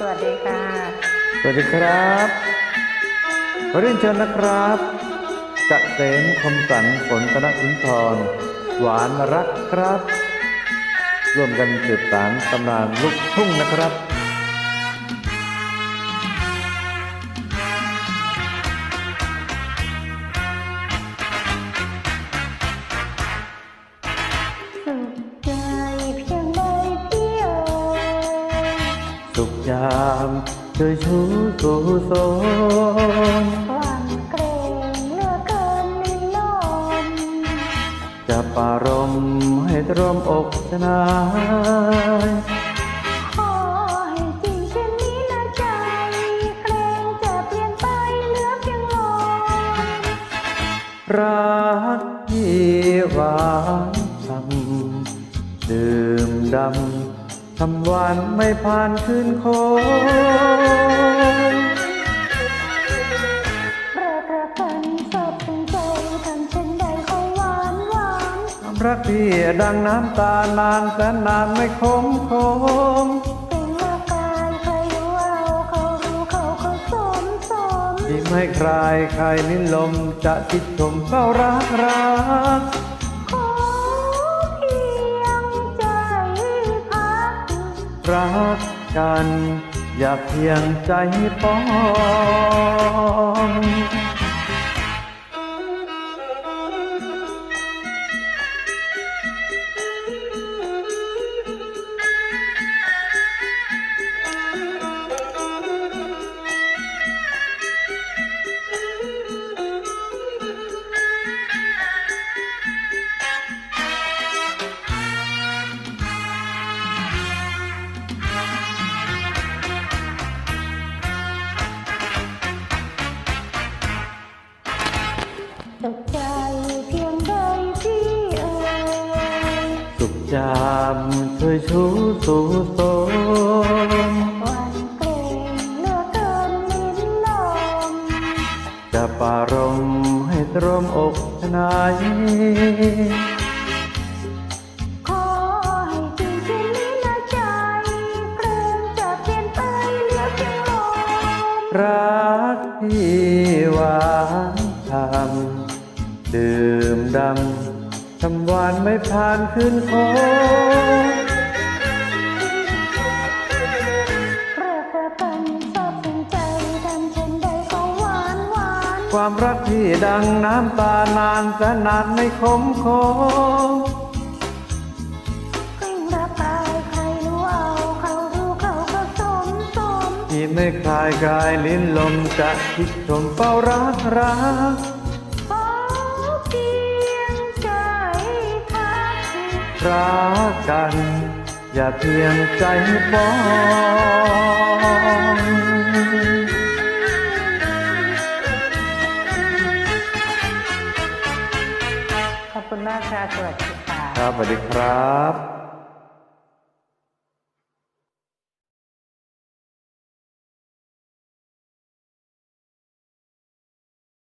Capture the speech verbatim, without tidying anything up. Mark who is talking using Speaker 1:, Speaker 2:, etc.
Speaker 1: วัสดีค่ะ
Speaker 2: สวัสดีครับขอเรียนเชิญนะครับเกษมคมสันฝนธนสุนทรหวานรักครับร่วมกันสืบสานตำนานลูกทุ่งนะครับ
Speaker 1: สุขใจเพียงใดพี่เอ๋ย
Speaker 2: สุขยามเธอชูสู่โสม
Speaker 1: หวั่นเกรงเหลือเกินลิ้นลม
Speaker 2: จะปรารมให้ตรมอกชนาย
Speaker 1: ขอให้จริงเช่นนี้นะใจเกรงจะเปลี่ยนไปเหลือเพียงลม
Speaker 2: รักที่หวานทำดื่มดำทำหวานไม่ผ่านคืนคง
Speaker 1: เริกรักกันสอบถึงใจทำเช่นใดเขาหวานหวาน
Speaker 2: ความรักที่ดังน้ำตานานแสนนานไม่คมคง
Speaker 1: เป็นเมื่อกายใครรู้เอาเขารู้เขาเขาสมสม
Speaker 2: ที่ไม่คลายคลายลิ้นลมจะติดชมเฝ้ารักรัก
Speaker 1: ขอเพียงใจพัก
Speaker 2: รักกันอย่าเพียงใจปอง
Speaker 1: สุขใจเพียงใดพี่เอ๋ย
Speaker 2: สุขจามช่วยชูสู่โสม
Speaker 1: หวั่นเกรงเหลือเกินลิ้นลม
Speaker 2: จะปรารมให้ตรมอกชนาย
Speaker 1: ขอให้จริงเช่นนี้นะใจเกรงจะเปลี่ยนไปเหลือเพียงลม
Speaker 2: รักที่หวานทำดื่มดำทำหวานไม่ผ่านคืนคง
Speaker 1: เริกรักกันสอบถึงใจทำเช่นใดก็หวานหวาน
Speaker 2: ความรักที่ดังน้ำตานานแสนนานไม่คมคง
Speaker 1: กลิ้งรับกายใครรู้เอาเขารู้เขาก็สมสม
Speaker 2: ที่ไม่คลายกายลิ้นลมจะคิดชมเฝ้ารักรัก
Speaker 1: ขอเพียงใจพัก
Speaker 2: รักกันอย่าเพียงใจปอง
Speaker 1: ขอบคุณมากค่ะสวัสดีค่ะ
Speaker 2: ครับสวัสดีครับ